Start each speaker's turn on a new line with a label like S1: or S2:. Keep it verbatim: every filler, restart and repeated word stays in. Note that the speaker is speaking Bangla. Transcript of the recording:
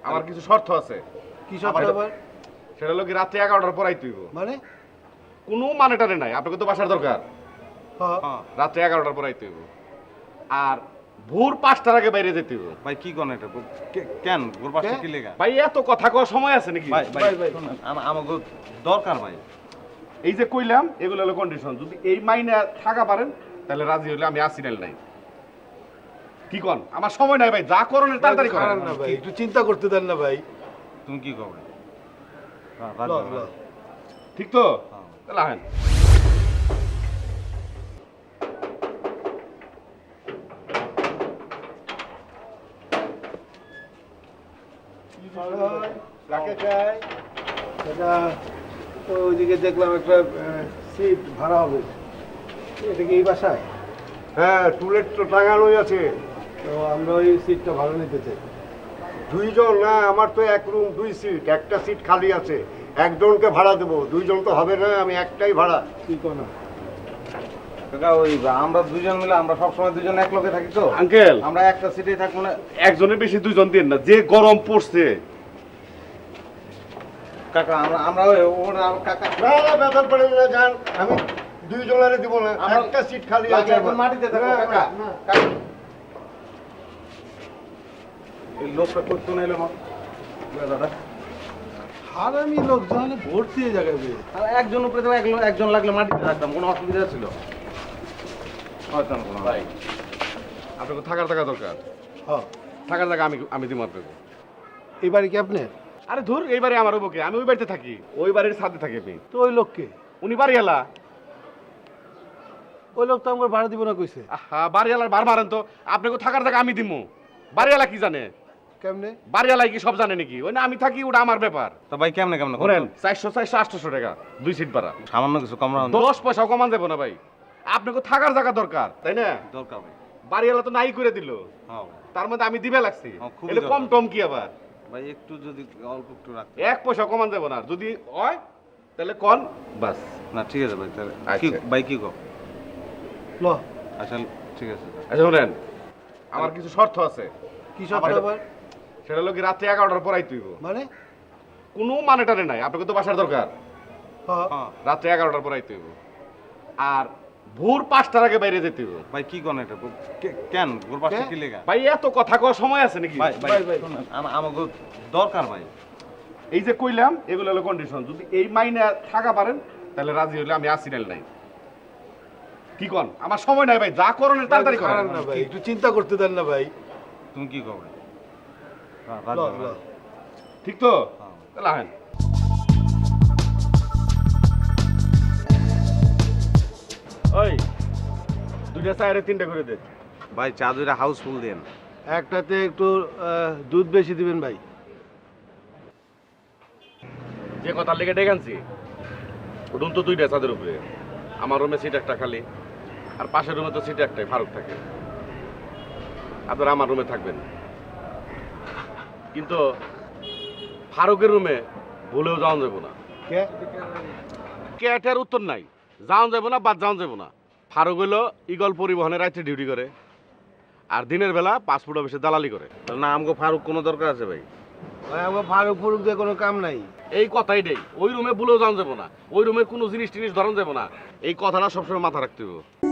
S1: আমার কিছু শর্ত আছে।
S2: কি শর্ত আবার?
S1: সেটা হলো কি রাত্রে এগারোটার পর আইতে হইব।
S2: মানে
S1: কোনো মানে টানে নাই, আপনাকে তো বাসার দরকার।
S2: হ্যাঁ
S1: রাত্রে এগারোটার পর আইতে হইব। আর ভোর পাঁচটার আগে বাইরে যেতে হইব।
S3: ভাই কি কোন এটা কে- কেন ভোর পাঁচটা কি লেগা?
S1: ভাই এত কথা কওয়ার সময় আছে নাকি?
S3: ভাই ভাই
S2: ভাই, ভাই।
S3: শোনেন, আমা- আমাকে দরকার ভাই।
S1: এই যে কইলাম এগুলো হলো কন্ডিশন। যদি এই মাইনে থাকা পারেন তাহলে রাজি হইলে আমি আসি নাইল নাই। কি কোন? আমার সময় নাই ভাই, যা করণের তাড়াতাড়ি করেন।
S2: খারাপ না ভাই, একটু চিন্তা করতে দেন না ভাই।
S3: তুমি কি করবে?
S2: ল, ল।
S1: ঠিক তো?
S3: হ্যাঁ।
S1: তাহলে আহেন।
S2: কাকে চাই? এটা তো ওইদিকে দেখলাম একটা সিট ভাড়া হবে। এটা কি এই বাসায়?
S4: হ্যাঁ, টুলেট তো টাঙানোই আছে।
S2: তো আমরা ওই সিটটা ভাড়া নিতে চাই।
S4: দুইজন না, আমার তো এক রুম দুই সিট, একটা সিট খালি আছে। একজনকে ভাড়া দেবো, দুইজন তো হবে না, আমি একটাই ভাড়া।
S2: কি কোনো
S3: কাকা ওই আমরা দুইজন মিলে আমরা সবসময় দুইজন এক লগে থাকি তো
S1: আঙ্কেল,
S3: আমরা একটা সিটেই থাকবো না।
S1: একজনের বেশি দুইজন দিন না, যে গরম পড়ছে।
S3: কাকা আমরা আমরা ওই ওর আর কাকা
S4: না না, বেতন পড়ে না, যান। আমি দুইজনের দিব না,
S3: আমরা-
S4: একটা সিট খালি আছে
S3: লাগে এখন
S4: আমার।
S3: মাটিতে থাকবো
S4: না,
S3: কাকা।
S4: না, না।
S3: কাকা। এই লোকটা করতো না এলো দাদা
S2: হারামি লোকজন ভর্তি এই জায়গায় বে।
S3: আর একজন উপরে তো এক লো- একজন লাগলে মাটিতে রাখতাম, কোনো অসুবিধা ছিল হয়তো না কোনো।
S1: ভাই আপনাকে থাকার জায়গা দরকার।
S2: হ্যাঁ,
S1: থাকার জায়গা আমি আমি দিব আপনাকে।
S2: এই বাড়ি কি আপনার?
S1: আরে ধুর, এই বাড়ি আমার বুকে, আমি ওই বাড়িতে থাকি, ওই বাড়ির ছাদে থাকি আমি।
S2: তো ওই লোককে
S1: উনি বাড়িওয়ালা।
S2: ওই লোক তো আমার ভাড়া দিব না কইছে।
S1: হ্যাঁ, বাড়িওয়ালার বার মারেন তো। আপনাকে থাকার জায়গা আমি দিমু। বাড়িওয়ালা কি জানে?
S2: কেমনে?
S1: বাড়িওয়ালাই কি সব জানে নাকি? ওই না আমি থাকি, ওটা আমার ব্যাপার।
S3: তো ভাই কেমনে কেমনে
S1: ধরেন চারশো চারশো আটশো টাকা দুই সিট ভাড়া,
S3: সামান্য কিছু কম রাখুন।
S1: দশ পয়সাও কমান দেবো না ভাই। আপনাকে থাকার জায়গা দরকার, তাই না?
S3: দরকার ভাই।
S1: বাড়িওয়ালা তো নাই করে দিল,
S3: হ্যাঁ
S1: তার মধ্যে আমি দিবে লাগছি।
S3: হ্যাঁ, খুবই
S1: এটা কম
S3: দরকার।
S1: টম কি আবার?
S3: ভাই একটু যদি অল্প একটু রাখতে।
S1: এক পয়সা কমান দেবো না, যদি হয় তাহলে কন বাস।
S3: না ঠিক আছে ভাই, তাহলে কি
S1: আচ্ছা।
S3: ভাই কি কো?
S2: ল,
S3: আচ্ছা ঠিক আছে।
S1: আচ্ছা শোনেন, আমার কিছু শর্ত আছে।
S2: কি শর্ত
S1: আমার-
S2: আবার?
S1: সেটা হলো কি রাত্রে এগারোটার পর আইতে হইব।
S2: মানে
S1: কোনো মানে টানে নাই, আপনাকে তো বাসার দরকার।
S2: হ্যাঁ,
S3: হ্যাঁ
S1: রাত্রে এগারোটার পর আইতে হইব। আর ভোর পাঁচটার আগে বাইরে যেতে হইব।
S3: ভাই কি কোন এটা কে- কেন ভোর পাঁচটা
S2: কে?
S3: কি লেগা?
S1: ভাই এত কথা কওয়ার সময় আছে নাকি?
S3: ভাই ভাই
S2: ভাই, ভাই।
S3: শোনেন, আমা- আমাকে দরকার ভাই।
S1: এই যে কইলাম এগুলো হলো কন্ডিশন। যদি এই মাইনে থাকা পারেন তাহলে রাজি হইলে আমি আসি নাইল নাই। কি কোন? আমার সময় নাই ভাই, যা করণের তাড়াতাড়ি
S2: খারাপ
S1: করেন।
S2: না ভাই, একটু চিন্তা করতে দেন না ভাই।
S3: তুমি কি করবে?
S2: ল, ল।
S1: ঠিক তো?
S3: হ্যাঁ।
S1: তাহলে আহেন। ওই দুইটা চায়ের তিনটা করে দে।
S3: ভাই চা দুইটা হাউসফুল দেন।
S2: একটাতে একটু আহ, দুধ বেশি দিবেন ভাই।
S1: যে কথা লেগে ডেকে আনছি, রুম তো দুইটা ছাদের উপরে। আমার রুমে সিট একটা খালি, আর পাশের রুমে তো সিট একটাই, ফারুক থাকে। আপনারা আমার রুমে থাকবেন, কিন্তু ফারুকের রুমে ভুলেও যাওয়া যাবো না।
S2: কে?
S1: ক্যাটের উত্তর নাই, যাওয়া যাবো না, বাদ যাওয়া যাবো না। ফারুক হইলো ইগল পরিবহনের রাইতে ডিউটি করে, আর দিনের বেলা পাসপোর্ট অফিসে দালালি করে।
S3: তাহলে না আমাকে ফারুক কোনো দরকার আছে ভাই?
S2: ভাই আমার ফারুক ফুরুক দিয়ে কোনো কাম নাই।
S1: এই কথাই নেই, ওই রুমে ভুলেও যাওয়া যাবো না, ওই রুমের কোনো জিনিস টিনিস ধরন যাবো না। এই কথাটা সবসময় মাথা রাখতে হবে।